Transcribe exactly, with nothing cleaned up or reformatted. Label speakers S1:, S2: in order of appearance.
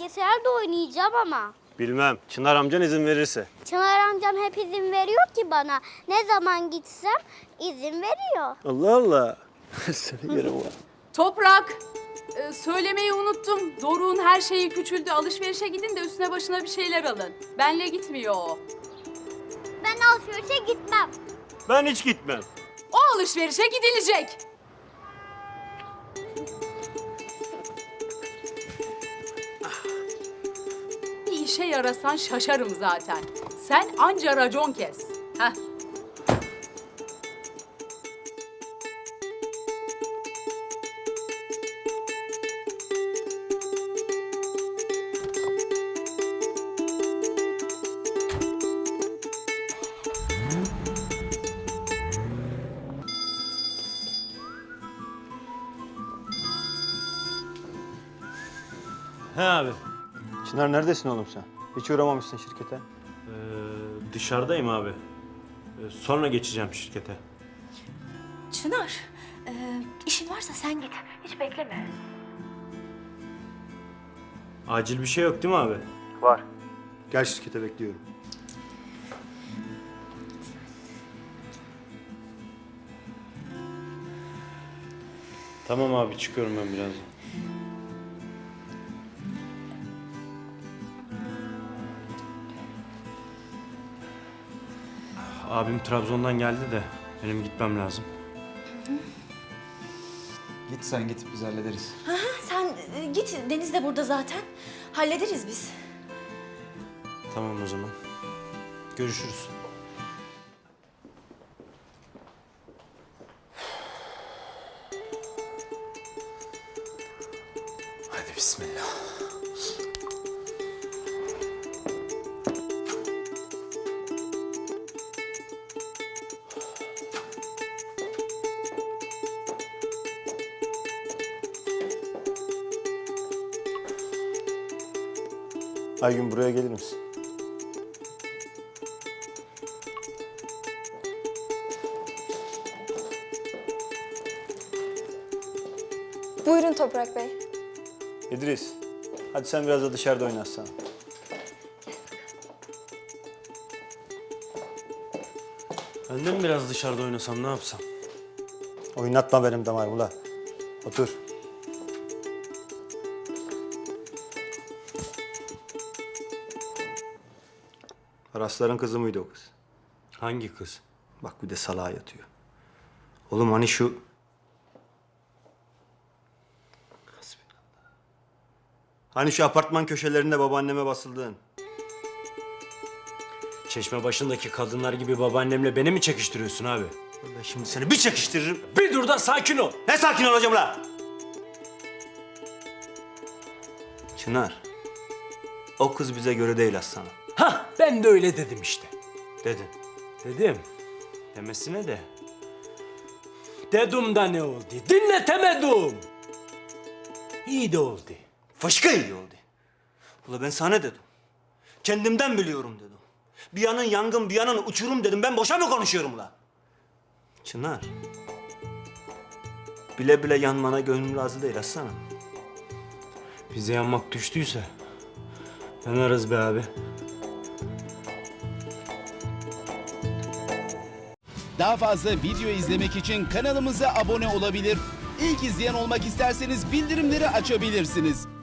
S1: bilgisayarda oynayacağım ama.
S2: Bilmem. Çınar amcan izin verirse.
S1: Çınar amcam hep izin veriyor ki bana. Ne zaman gitsem izin veriyor.
S2: Allah Allah. Seni yerim var.
S3: Toprak, e, söylemeyi unuttum. Doruk'un her şeyi küçüldü. Alışverişe gidin de üstüne başına bir şeyler alın. Benle gitmiyor o.
S1: Ben alışverişe gitmem.
S2: Ben hiç gitmem.
S3: O alışverişe gidilecek. Bir işe yarasan şaşarım zaten. Sen anca racon kes. Heh.
S2: He abi.
S4: Çınar neredesin oğlum sen? Hiç uğramamışsın şirkete.
S2: Ee, dışarıdayım abi. Ee, sonra geçeceğim şirkete.
S5: Çınar, e, işin varsa sen git. Hiç bekleme.
S2: Acil bir şey yok değil mi abi?
S4: Var. Gel şirkete bekliyorum.
S2: Tamam abi çıkıyorum ben birazdan. Abim Trabzon'dan geldi de benim gitmem lazım.
S6: Git sen git, biz hallederiz.
S5: Sen e, git, Deniz de burada zaten. Hallederiz biz.
S2: Tamam o zaman. Görüşürüz.
S6: Hadi bismillah.
S4: Aygün buraya gelir misin?
S7: Buyurun Toprak Bey.
S4: İdris, hadi sen biraz da dışarıda oynatsan.
S2: Ben de mi biraz dışarıda oynasam ne yapsam?
S4: Oynatma benim damarımı la. Otur. Arasların kızı mıydı o kız?
S2: Hangi kız?
S4: Bak bir de salağa yatıyor. Oğlum hani şu... Hasbinallah. Hani şu apartman köşelerinde babaanneme basıldığın.
S2: Çeşme başındaki kadınlar gibi babaannemle beni mi çekiştiriyorsun abi?
S4: Ben şimdi seni bir çekiştiririm.
S2: Bir dur da sakin ol.
S4: Ne sakin olacağım la? Çınar. O kız bize göre değil aslanım.
S2: Hah ben de öyle dedim işte.
S4: Dedin.
S2: Dedim. Demesine de. Dedim da ne oldu? Dinletemedim. İyi de oldu.
S4: Fışkı iyi oldu. Ula ben sana dedim. Kendimden biliyorum dedim. Bir yanın yangın, bir yanın uçurum dedim. Ben boşa mı konuşuyorum ula? Çınar. Bile bile yanmana gönlüm razı değil aslanım.
S2: Bize yanmak düştüyse yanarız be abi.
S8: Daha fazla video izlemek için kanalımıza abone olabilir. İlk izleyen olmak isterseniz bildirimleri açabilirsiniz.